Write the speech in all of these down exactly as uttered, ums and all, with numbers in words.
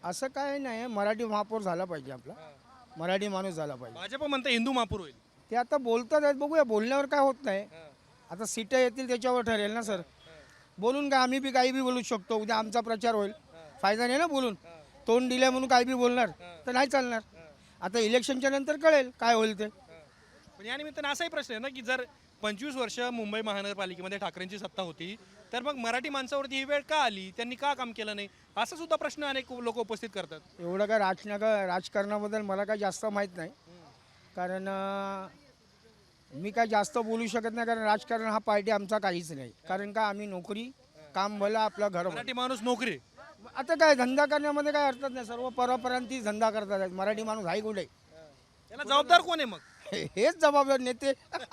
असं काय नाही, मराठी महापौर झाला पाहिजे आपला, मराठी माणूस झाला पाहिजे. भाजप म्हणतं हिंदू महापूर होईल. ते आता बोलतात आहेत, बघूया बोलण्यावर काय होत नाही. आता सीटं येतील त्याच्यावर ठरेल ना सर. बोलून काय आम्ही बी काही बी बोलू शकतो, उद्या आमचा प्रचार होईल, फायदा नाही ना बोलून. तोंड दिल्या म्हणून काही बी बोलणार तर नाही चालणार. आता इलेक्शनच्या नंतर कळेल काय होईल ते. पण या निमित्तानं असाही प्रश्न आहे ना की जर पंचवीस वर्ष मुंबई महानगरपालिकेमध्ये ठाकरेंची सत्ता होती तर मग मराठी माणसावरती ही वेळ का आली, त्यांनी का काम केलं नाही, असा सुद्धा प्रश्न अनेक लोक उपस्थित करतात. एवढं काय राजनागा राजकारणाबद्दल मला काय जास्त माहीत नाही, कारण अं, मी काय जास्त बोलू शकत नाही, कारण राजकारण हा पार्टी आमचा काहीच नाही. कारण का आम्ही नोकरी काम भलं आपलं घर भलं. मराठी माणूस नोकरी. आता काय धंदा करण्यामध्ये काय अर्थच नाही, सर्व परप्रांतीच धंदा करतात आहेत. मराठी माणूस हाय कुठे? याला जबाबदार कोण आहे मग? हे- हेच जबाबदार नेते.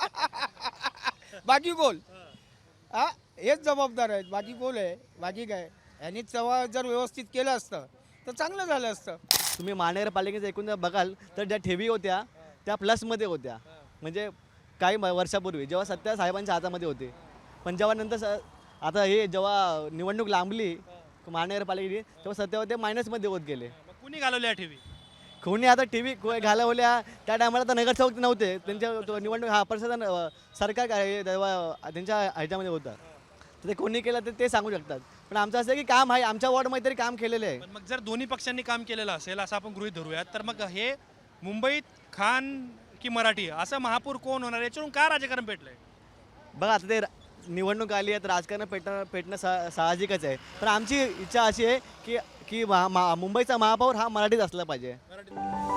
बाकी कोण? हा, हेच जबाबदार आहेत, बाकी कोण आहे? बाकी काय, यांनी तेव्हा जर व्यवस्थित केलं असतं तर चांगलं झालं असतं. तुम्ही महानगरपालिकेचं एकूण जर बघाल तर ज्या ठेवी होत्या त्या प्लसमध्ये होत्या, म्हणजे काही म- वर्षापूर्वी जेव्हा सत्या साहेबांच्या हातामध्ये होते. पण जेव्हा नंतर स आता हे जेव्हा निवडणूक लांबली महानगरपालिकेची तेव्हा सत्या होते मायनसमध्ये होत गेले. मग कुणी घालवल्या ठेवी? कोणी आता टी व्ही घालवल्या, त्या टायमाला तर नगरसेवक नव्हते, त्यांच्या तो निवडणूक हा प्रशासन अ, सरकार काय हे तेव्हा त्यांच्या ह्याच्यामध्ये होतं, तर ते कोणी केलं तर ते सांगू शकतात. पण आमचं असं आहे की काम आहे, आमच्या वॉर्डमध्ये तरी काम केलेलं आहे. पण मग जर दोन्ही पक्षांनी काम केलेलं असेल असं आपण गृहीत धरूयात तर मग हे मुंबईत खान की मराठी असं महापूर कोण होणार, याच्यावरून का राजकारण पेटलंय? बघा आता ते निवडणूक आली आहे तर राजकारण पेटणं पेटणं सा साहजिकच आहे. पण आमची इच्छा अशी आहे की की महा- मा- मुंबईचा महापौर हा मराठीच असला पाहिजे. मराठी